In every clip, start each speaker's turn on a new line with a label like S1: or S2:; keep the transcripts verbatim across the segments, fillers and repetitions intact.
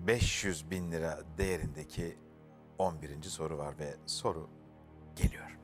S1: beş yüz bin lira değerindeki on birinci soru var ve soru geliyor.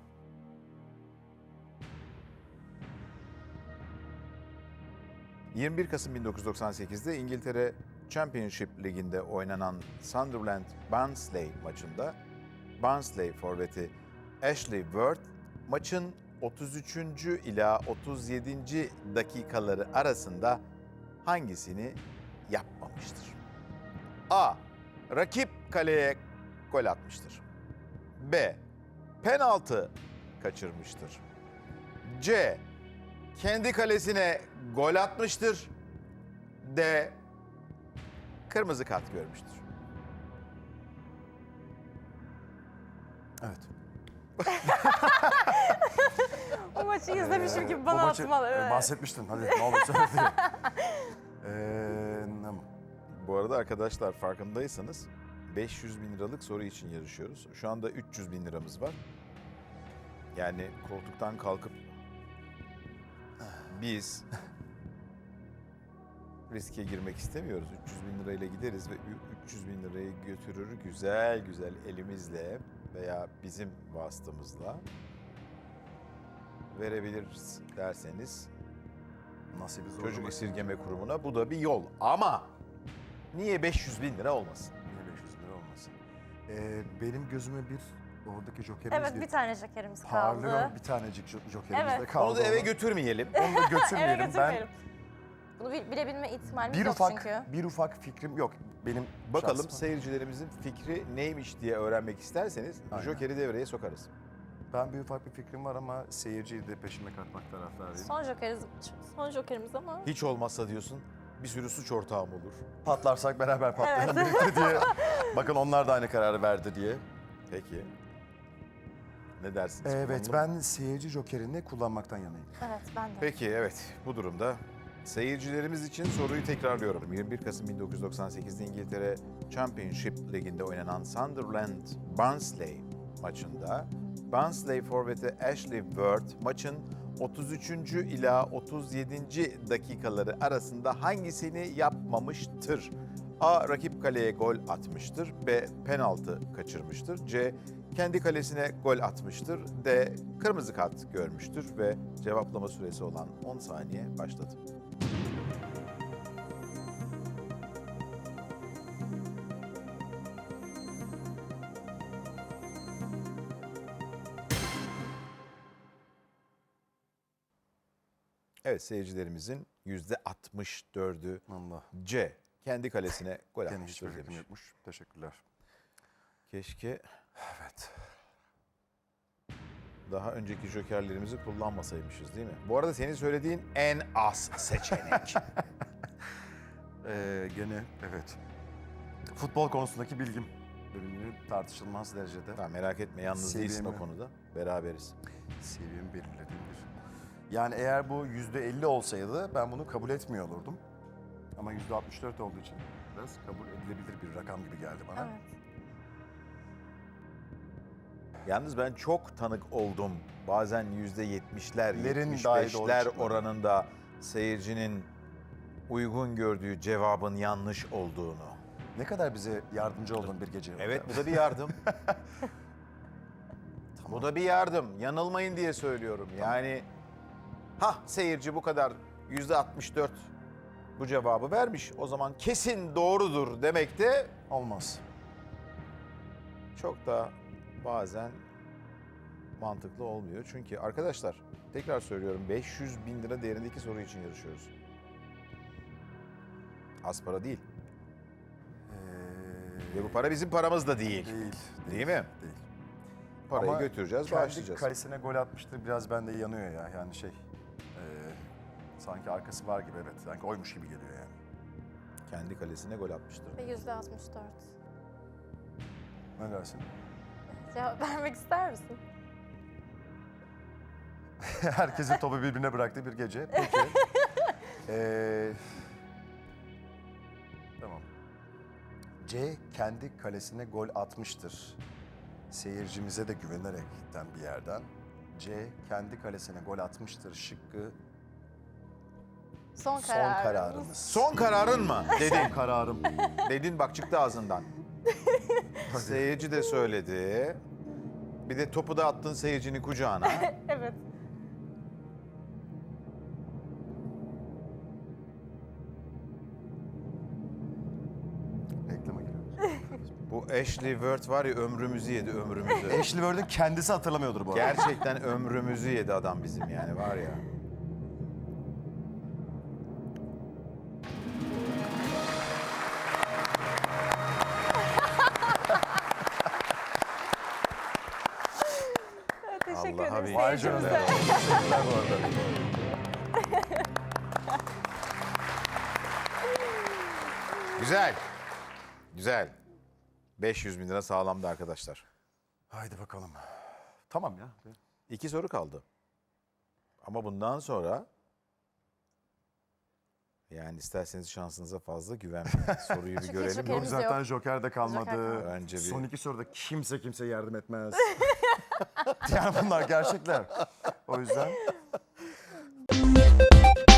S1: yirmi bir Kasım bin dokuz yüz doksan sekiz'de İngiltere Championship Ligi'nde oynanan Sunderland Barnsley maçında Barnsley forveti Ashley Ward maçın otuz üçüncü ila otuz yedinci dakikaları arasında hangisini yapmamıştır? A. Rakip kaleye gol atmıştır. B. Penaltı kaçırmıştır. C. Kendi kalesine gol atmıştır. D. Kırmızı kart görmüştür.
S2: Evet.
S3: O maçı izlemişim gibi bana
S2: Bu maçı,
S3: atmalı.
S2: e,
S3: Evet.
S2: bahsetmiştin. Hadi ne olur söyle diye. Ee, ne-
S1: Bu arada arkadaşlar farkındaysanız beş yüz bin liralık soru için yarışıyoruz. Şu anda üç yüz bin liramız var. Yani koltuktan kalkıp biz riske girmek istemiyoruz. üç yüz bin lirayla gideriz ve üç yüz bin lirayı götürür güzel güzel elimizle veya bizim vasıtamızla verebiliriz derseniz
S2: Nasibi zor.
S1: Çocuk Esirgeme Kurumu'na bu da bir yol. Ama niye beş yüz bin lira olmasın?
S2: Niye beş yüz lira olmasın? Ee, benim gözüme bir oradaki jokerimiz
S3: Evet,
S2: bir,
S3: bir tane jokerimiz
S2: parlıyor.
S3: kaldı.
S2: Bir tanecik jo- jokerimiz
S3: Evet.
S2: de kaldı.
S1: Onu da eve
S2: Onu-
S1: götürmeyelim.
S2: Onu da götürmeyelim.
S3: Eve götürmeyelim. Bunu bil- bilebilme ihtimalimiz
S2: Ben bir
S3: yok
S2: ufak
S3: çünkü.
S2: bir ufak fikrim yok. Benim
S1: Bakalım
S2: şahsıma.
S1: seyircilerimizin fikri neymiş diye öğrenmek isterseniz
S2: Aynen.
S1: Joker'i devreye sokarız.
S2: Ben bir ufak bir fikrim var ama seyirciyi de peşime katmak taraftarıyım.
S3: Son jokerimiz, son jokerimiz ama
S1: Hiç olmazsa diyorsun bir sürü suç ortağım olur.
S2: Patlarsak beraber patlayalım birlikte diye. Bakın onlar da aynı kararı verdi diye.
S1: Peki. Ne dersiniz?
S2: Evet,
S1: Kullanalım.
S2: ben seyirci jokerini kullanmaktan yanayım.
S3: evet ben de.
S1: Peki evet bu durumda seyircilerimiz için soruyu tekrarlıyorum. yirmi bir Kasım bin dokuz yüz doksan sekiz'de İngiltere Championship Ligi'nde oynanan Sunderland Barnsley maçında Barnsley forveti Ashley Ward maçın otuz üçüncü ila otuz yedinci dakikaları arasında hangisini yapmamıştır? A. Rakip kaleye gol atmıştır. B. Penaltı kaçırmıştır. C. Kendi kalesine gol atmıştır. D. Kırmızı kart görmüştür ve cevaplama süresi olan on saniye başladı. Evet seyircilerimizin yüzde altmış dördü
S2: Allah.
S1: C. Kendi kalesine gol
S2: Gene
S1: atmıştır
S2: hiçbir fikrim
S1: demiş.
S2: yokmuş. Teşekkürler.
S1: Keşke
S2: Evet.
S1: daha önceki jokerlerimizi kullanmasaymışız değil mi? Bu arada senin söylediğin en az seçenek.
S2: Ee, gene evet. Futbol konusundaki bilgim bölümünü tartışılmaz derecede
S1: Tamam, merak etme yalnız değilsin o
S2: Seviyemi-
S1: konuda. Beraberiz.
S2: seviyemi belirlediğim bir. Yani eğer bu yüzde elli olsaydı ben bunu kabul etmiyor olurdum. Ama yüzde altmış dört olduğu için biraz kabul edilebilir bir rakam gibi geldi bana.
S3: Evet.
S1: Yalnız ben çok tanık oldum. Bazen yüzde yetmişler,
S2: Lerin
S1: yetmiş
S2: dahi doğru
S1: beşler
S2: çıkmadı.
S1: oranında seyircinin uygun gördüğü cevabın yanlış olduğunu.
S2: Ne kadar bize yardımcı oldun bir gece.
S1: Evet bu da bir yardım. Bu da bir yardım. Yanılmayın diye söylüyorum. Yani ha seyirci bu kadar yüzde altmış dört bu cevabı vermiş. O zaman kesin doğrudur demek de
S2: Olmaz.
S1: çok da bazen mantıklı olmuyor. Çünkü arkadaşlar tekrar söylüyorum beş yüz bin lira değerindeki soru için yarışıyoruz. Az para değil.
S2: Ee,
S1: Ve bu para bizim paramız da değil.
S2: Değil.
S1: Değil mi?
S2: Değil.
S1: Parayı
S2: Ama
S1: götüreceğiz,
S2: kendi
S1: bağışlayacağız.
S2: kalesine gol atmıştır biraz bende yanıyor ya. Yani şey, e, sanki arkası var gibi evet. Sanki oymuş gibi geliyor yani.
S1: Kendi kalesine gol atmıştır.
S3: Ve yüzde altmış dört.
S2: Ne dersin?
S3: Cevap vermek ister misin?
S2: Herkesin topu birbirine bıraktığı bir gece. Peki. Ee, tamam. C kendi kalesine gol atmıştır. Seyircimize de güvenerekten bir yerden. C kendi kalesine gol atmıştır şıkkı
S3: Son
S2: Son
S3: kararımız.
S2: kararımız.
S1: Son kararın mı? Dedin.
S2: Kararım.
S1: Dedin bak çıktı ağzından. Seyirci de söyledi. Bir de topu da attın seyircinin kucağına.
S3: Evet.
S2: Reklama giriyoruz.
S1: Bu Ashley Word var ya ömrümüzü yedi ömrümüzü.
S2: Ashley Word'ün kendisi hatırlamıyordur bu arada.
S1: Gerçekten ömrümüzü yedi adam bizim yani var ya.
S3: Teşekkür
S1: Allah'a
S3: ederim.
S1: bir-
S2: Vay canına. Teşekkürler bu arada.
S1: Güzel. Güzel. beş yüz bin lira sağlamdı arkadaşlar.
S2: Haydi bakalım. Tamam ya.
S1: İki soru kaldı. Ama bundan sonra yani isterseniz şansınıza fazla güvenmeyin. Soruyu bir
S3: Çünkü
S1: görelim.
S3: çok
S2: Yok
S3: Elimiz
S2: zaten
S3: yok.
S2: Joker de kalmadı.
S3: Joker kalmadı.
S1: Bence bir-
S2: Son iki soruda kimse kimse yardım etmez. yani bunlar gerçekler. O yüzden